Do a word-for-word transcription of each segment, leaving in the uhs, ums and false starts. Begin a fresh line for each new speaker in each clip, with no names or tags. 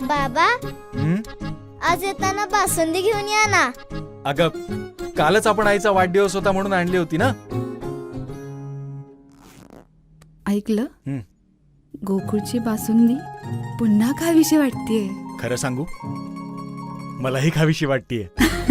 बाबा
हं?
आज येताना बासुंदी घेऊन या ना.
अगं कालच आपण आईचा वाढदिवस होता म्हणून आणली होती ना.
ऐकलं
हं.
गोकुळची बासुंदी पुन्हा खावीशी वाटतेय.
खरं सांगू मलाही खावीशी वाटतीये.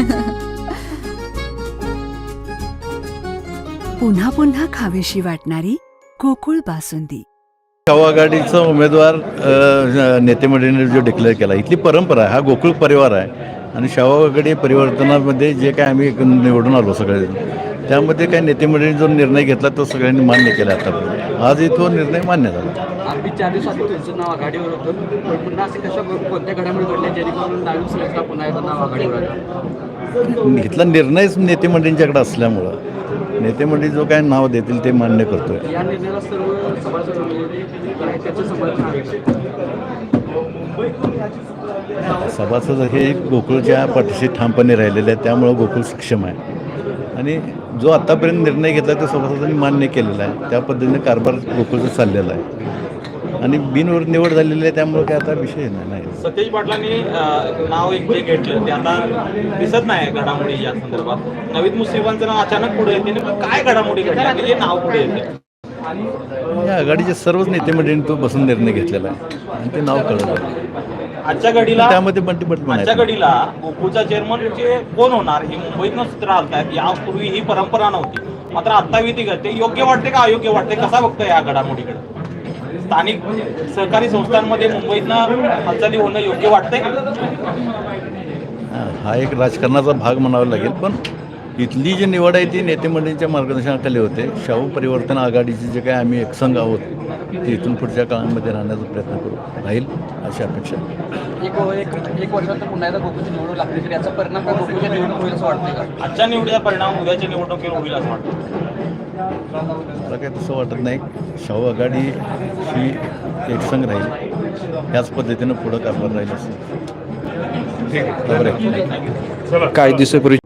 पुन्हा पुन्हा खावीशी वाटणारी गोकुळ बासुंदी.
शाहू आघाडीचा उमेदवार अ, नेते मंडळीने जो डिक्लेअर केला, इथली परंपरा आहे, हा गोकुळ परिवार आहे आणि शाहू आघाडी परिवर्तनामध्ये जे काय आम्ही निवडून आलो सगळे, त्यामध्ये काही नेते मंडळीने जो निर्णय घेतला तो सगळ्यांनी मान्य केला. आता आजही तो निर्णय मान्य झाला.
आम्ही चार दिवसात तुमचं नाव आघाडीवर होतं, पण पुन्हा असे कशा कोणत्या घडामोडी घडल्या जेणेकरून नवीन सुरक्षा पुन्हा एकदा नाव आघाडीवर आलं?
इथला निर्णयच नेते मंडळींच्याकडे असल्यामुळं नेते मंडळी जो काय नाव देतील ते मान्य करतोय.
या निर्णयाला सर्व सभासद आहेत, त्याचं समर्थन आहे.
सभासद हे गोकुळच्या पाठीशी ठामपणे राहिलेले आहेत, त्यामुळं गोकुळ सक्षम आहे आणि जो आत्तापर्यंत निर्णय घेतला तो सभासदांनी मान्य केलेला आहे. त्या पद्धतीने कारभार गोकुळचा चाललेला आहे आणि बिनवर निवड झालेली आहे, त्यामुळे काय आता विषय नाही.
सतेज पाटलांनी नाव एक जे घेतलं ते आता दिसत नाही घडामोडी या संदर्भात. नवीद मुस्लिमांचं नाव अचानक पुढे येते, काय घडामोडी घडल्या की जे नाव पुढे येते?
या आघाडीचे सर्वच नेते मंडळींनी तो बसून निर्णय घेतलेला आहे आणि ते नाव कळलं.
आजच्या घडीला
त्यामध्ये बंटीपट पण
आजच्या
आहे.
घडीला गोकुळचा चेअरमन कोण होणार हे मुंबईतनं सूत्र आलतात. यापूर्वी ही परंपरा नव्हती, मात्र आता विधी घडते. योग्य वाटते का अयोग्य वाटते, कसा बघतोय या घडामोडीकडे? स्थानिक सहकारी संस्थांमध्ये मुंबईतनं हालचाली होणं योग्य वाटतंय?
हा एक राजकारणाचा भाग म्हणावा लागेल, पण इथली जी निवड आहे ती नेते मंडळींच्या मार्गदर्शनाखाली होते. शाहू परिवर्तन आघाडीचे जे काय आम्ही एकसंघ आहोत ते इथून पुढच्या काळामध्ये राहण्याचा प्रयत्न करू राहील अशी अपेक्षा.
एक एक एक वर्षानंतर पुन्हा एकदा गोकुळची निवडणूक लागली तर याचा परिणाम काय गोकुळच्या निवडणूक होईल असं वाटतंय का?
आजच्या निवडीचा परिणाम उद्याच्या निवडणुकीवर होईल असं वाटतं?
मला काही तसं वाटत नाही. शाहू आघाडी ही एकसंघ राहील, याच पद्धतीनं पुढं कारभार राहील असं.
ठीक आहे.
बरोबर आहे.
काही दिवसापूर्वी